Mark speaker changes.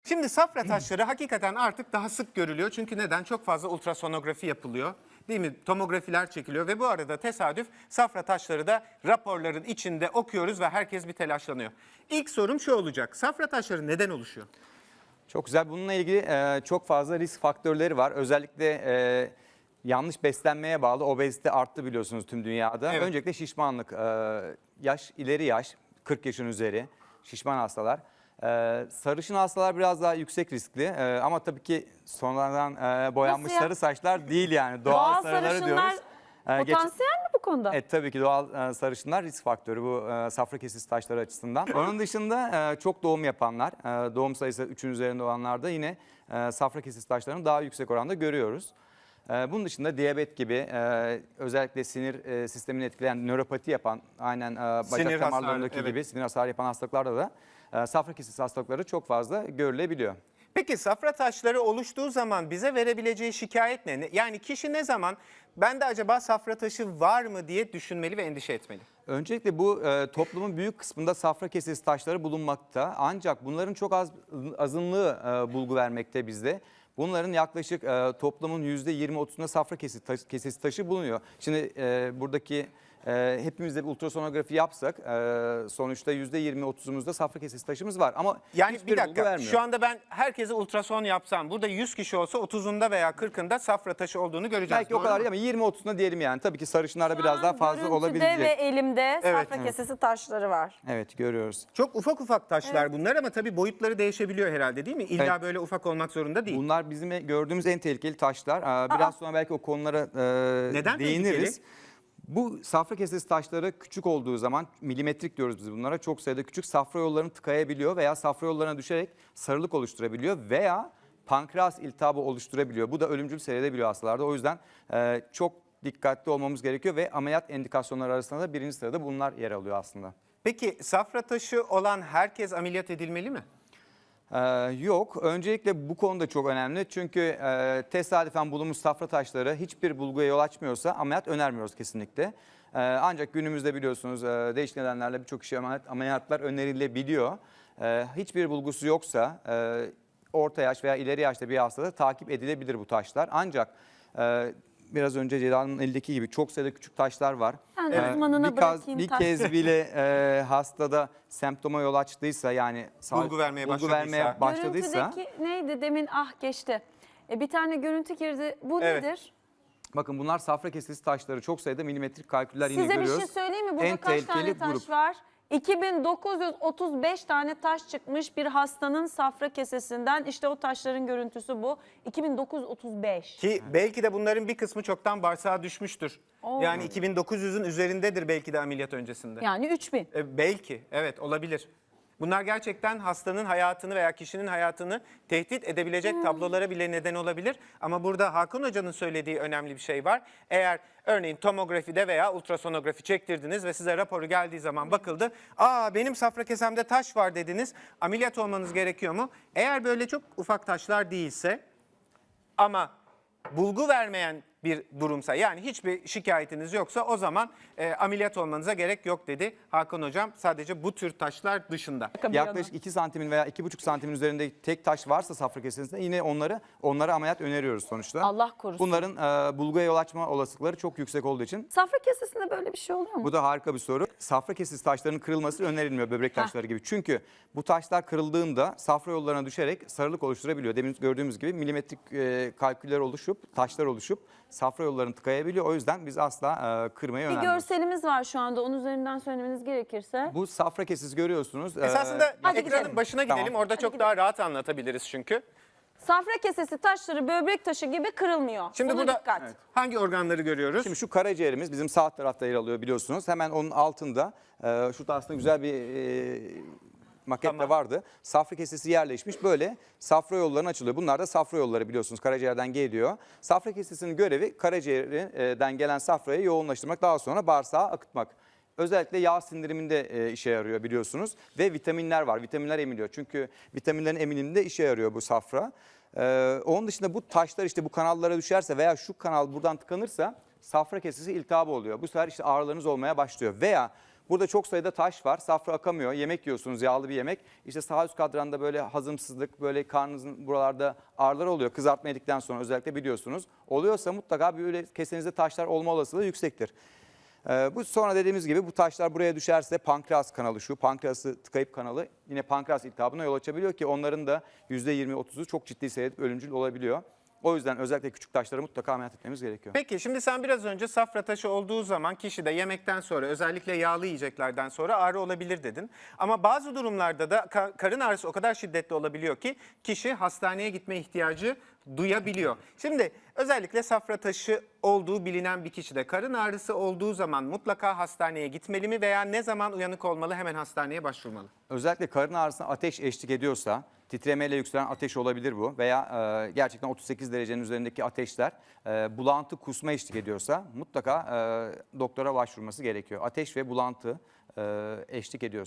Speaker 1: Şimdi safra taşları hakikaten artık daha sık görülüyor. Çünkü neden? Çok fazla ultrasonografi yapılıyor. Değil mi? Tomografiler çekiliyor ve bu arada tesadüf safra taşları da raporların içinde okuyoruz ve herkes bir telaşlanıyor. İlk sorum şu olacak. Safra taşları neden oluşuyor?
Speaker 2: Çok güzel. Bununla ilgili çok fazla risk faktörleri var. Özellikle yanlış beslenmeye bağlı obezite arttı biliyorsunuz tüm dünyada.
Speaker 1: Evet.
Speaker 2: Öncelikle şişmanlık, ileri yaş, 40 yaşın üzeri şişman hastalar. Sarışın hastalar biraz daha yüksek riskli ama tabii ki sonradan boyanmış
Speaker 3: Nasıl ya?
Speaker 2: sarı saçlar değil yani doğal sarıları
Speaker 3: sarışınlar
Speaker 2: diyoruz.
Speaker 3: potansiyel mi bu konuda?
Speaker 2: Tabii ki doğal sarışınlar risk faktörü bu safra kesesi taşları açısından. Onun dışında çok doğum yapanlar, doğum sayısı 3'ün üzerinde olanlarda yine safra kesesi taşlarını daha yüksek oranda görüyoruz. Bunun dışında diyabet gibi özellikle sinir sistemini etkileyen nöropati yapan aynen
Speaker 1: Sinir
Speaker 2: bacak
Speaker 1: hasarı,
Speaker 2: damarlarındaki
Speaker 1: evet.
Speaker 2: gibi sinir hasarı yapan hastalıklarda da safra kesesi hastalıkları çok fazla görülebiliyor.
Speaker 1: Peki safra taşları oluştuğu zaman bize verebileceği şikayet ne? Yani kişi ne zaman bende acaba safra taşı var mı diye düşünmeli ve endişe etmeli?
Speaker 2: Öncelikle bu toplumun büyük kısmında safra kesesi taşları bulunmakta. Ancak bunların çok azınlığı bulgu vermekte bizde. Bunların yaklaşık toplumun %20-30'unda safra kesesi taşı bulunuyor. Şimdi buradaki hepimiz de bir ultrasonografi yapsak sonuçta %20-30'umuzda safra kesesi taşımız var. Ama
Speaker 1: Yani
Speaker 2: hiçbir
Speaker 1: bir
Speaker 2: bulgu
Speaker 1: dakika
Speaker 2: vermiyor.
Speaker 1: şu anda ben herkese ultrason yapsam burada 100 kişi olsa 30'unda veya 40'ında safra taşı olduğunu göreceğiz.
Speaker 2: Belki o
Speaker 1: Doğru
Speaker 2: kadar
Speaker 1: mu?
Speaker 2: değil ama 20-30'unda diyelim yani. Tabii ki sarışınlarda
Speaker 3: Şu
Speaker 2: biraz
Speaker 3: an
Speaker 2: daha fazla
Speaker 3: görüntüde
Speaker 2: olabilecek.
Speaker 3: ve elimde
Speaker 1: Evet.
Speaker 3: safra kesesi taşları var.
Speaker 2: Evet görüyoruz.
Speaker 1: Çok ufak ufak taşlar bunlar ama tabii boyutları değişebiliyor herhalde değil mi? İlla
Speaker 2: Evet.
Speaker 1: böyle ufak olmak zorunda değil.
Speaker 2: Bunlar bizim gördüğümüz en tehlikeli taşlar. Biraz sonra belki o konulara
Speaker 1: Neden
Speaker 2: değiniriz.
Speaker 1: tehlikeli?
Speaker 2: Bu safra kesesi taşları küçük olduğu zaman milimetrik diyoruz biz bunlara. Çok sayıda küçük safra yollarını tıkayabiliyor veya safra yollarına düşerek sarılık oluşturabiliyor veya pankreas iltihabı oluşturabiliyor. Bu da ölümcül seyredebiliyor hastalarda. O yüzden çok dikkatli olmamız gerekiyor ve ameliyat endikasyonları arasında da birinci sırada bunlar yer alıyor aslında.
Speaker 1: Peki safra taşı olan herkes ameliyat edilmeli mi?
Speaker 2: Yok. Öncelikle bu konuda çok önemli. Çünkü tesadüfen bulunmuş safra taşları hiçbir bulguya yol açmıyorsa ameliyat önermiyoruz kesinlikle. Ancak günümüzde biliyorsunuz değişik nedenlerle birçok kişiye ameliyatlar önerilebiliyor. Hiçbir bulgusu yoksa orta yaş veya ileri yaşta bir hastada takip edilebilir bu taşlar. Ancak biraz önce Ceyda'nın elindeki gibi çok sayıda küçük taşlar var.
Speaker 3: Ben uzmanına bırakayım
Speaker 2: Bir
Speaker 3: taş.
Speaker 2: kez bile hastada semptoma yol açtıysa yani
Speaker 1: Bulgu vermeye başladıysa.
Speaker 2: başladıysa
Speaker 3: Görüntüdeki neydi demin geçti. Bir tane görüntü girdi. Bu
Speaker 1: Evet.
Speaker 3: nedir?
Speaker 2: bakın bunlar safra kesesi taşları çok sayıda milimetrik kalküller yine
Speaker 3: Size bir
Speaker 2: görüyoruz.
Speaker 3: şey söyleyeyim mi? Burada
Speaker 2: En
Speaker 3: kaç tane
Speaker 2: tehlikeli
Speaker 3: taş
Speaker 2: grup.
Speaker 3: var? 2935 tane taş çıkmış bir hastanın safra kesesinden. İşte o taşların görüntüsü bu. 2935.
Speaker 1: Ki belki de bunların bir kısmı çoktan bağırsağa düşmüştür.
Speaker 3: Oo.
Speaker 1: Yani 2900'ün üzerindedir belki de ameliyat öncesinde.
Speaker 3: Yani 3000.
Speaker 1: Belki, evet olabilir. Bunlar gerçekten hastanın hayatını veya kişinin hayatını tehdit edebilecek tablolara bile neden olabilir. Ama burada Hakan Hoca'nın söylediği önemli bir şey var. Eğer örneğin tomografide veya ultrasonografi çektirdiniz ve size raporu geldiği zaman bakıldı. Benim safra kesemde taş var dediniz. Ameliyat olmanız gerekiyor mu? Eğer böyle çok ufak taşlar değilse ama bulgu vermeyen bir durumsa yani hiçbir şikayetiniz yoksa o zaman ameliyat olmanıza gerek yok dedi Hakan Hocam. Sadece bu tür taşlar dışında.
Speaker 2: Yaklaşık 2 santimin veya 2,5 santimin üzerinde tek taş varsa safra kesesinde yine onlara ameliyat öneriyoruz sonuçta.
Speaker 3: Allah korusun.
Speaker 2: Bunların bulguya yol açma olasılıkları çok yüksek olduğu için
Speaker 3: Safra kesesinde böyle bir şey oluyor mu?
Speaker 2: bu da harika bir soru. Safra kesesi taşlarının kırılması önerilmiyor böbrek taşları gibi. Çünkü bu taşlar kırıldığında safra yollarına düşerek sarılık oluşturabiliyor. Demin gördüğümüz gibi milimetrik kalküller oluşup, taşlar oluşup safra yollarını tıkayabiliyor. O yüzden biz asla kırmayı
Speaker 3: Bir
Speaker 2: önermiyoruz.
Speaker 3: görselimiz var şu anda. Onun üzerinden söylemeniz gerekirse.
Speaker 2: Bu safra kesesi görüyorsunuz.
Speaker 1: Esasında
Speaker 3: Hadi
Speaker 1: ekranın
Speaker 3: gidelim.
Speaker 1: başına gidelim.
Speaker 2: Tamam.
Speaker 1: Orada çok daha rahat anlatabiliriz çünkü.
Speaker 3: Safra kesesi taşları böbrek taşı gibi kırılmıyor.
Speaker 1: Şimdi
Speaker 3: Buna
Speaker 1: burada
Speaker 3: dikkat.
Speaker 1: hangi organları görüyoruz?
Speaker 2: Şimdi şu karaciğerimiz bizim sağ tarafta yer alıyor biliyorsunuz. Hemen onun altında şurada aslında güzel bir maket de vardı. Safra kesesi yerleşmiş böyle safra yollarına açılıyor. Bunlar da safra yolları biliyorsunuz karaciğerden geliyor. Safra kesesinin görevi karaciğerden gelen safrayı yoğunlaştırmak daha sonra bağırsağa akıtmak. Özellikle yağ sindiriminde işe yarıyor biliyorsunuz ve vitaminler var. Vitaminler emiliyor çünkü vitaminlerin emiliminde işe yarıyor bu safra. Onun dışında bu taşlar işte bu kanallara düşerse veya şu kanal buradan tıkanırsa safra kesesi iltihabı oluyor. Bu sefer işte ağrılarınız olmaya başlıyor veya Burada çok sayıda taş var. Safra akamıyor. Yemek yiyorsunuz, yağlı bir yemek. İşte sağ üst kadranda böyle hazımsızlık, böyle karnınızın buralarda ağrılar oluyor. Kızartma yedikten sonra özellikle biliyorsunuz. Oluyorsa mutlaka böyle kesenizde taşlar olma olasılığı yüksektir. Bu sonra dediğimiz gibi bu taşlar buraya düşerse pankreas kanalı şu. Pankreası tıkayıp kanalı yine pankreas iltihabına yol açabiliyor ki onların da %20-30'u çok ciddi seviyede ölümcül olabiliyor. O yüzden özellikle küçük taşları mutlaka ameliyat etmemiz gerekiyor.
Speaker 1: Peki şimdi sen biraz önce safra taşı olduğu zaman kişide yemekten sonra özellikle yağlı yiyeceklerden sonra ağrı olabilir dedin. Ama bazı durumlarda da karın ağrısı o kadar şiddetli olabiliyor ki kişi hastaneye gitme ihtiyacı duyabiliyor. Şimdi özellikle safra taşı olduğu bilinen bir kişide karın ağrısı olduğu zaman mutlaka hastaneye gitmeli mi veya ne zaman uyanık olmalı, hemen hastaneye başvurmalı?
Speaker 2: Özellikle karın ağrısına ateş eşlik ediyorsa, titremeyle yükselen ateş olabilir bu veya gerçekten 38 derecenin üzerindeki ateşler, bulantı, kusma eşlik ediyorsa mutlaka doktora başvurması gerekiyor. Ateş ve bulantı eşlik ediyorsa.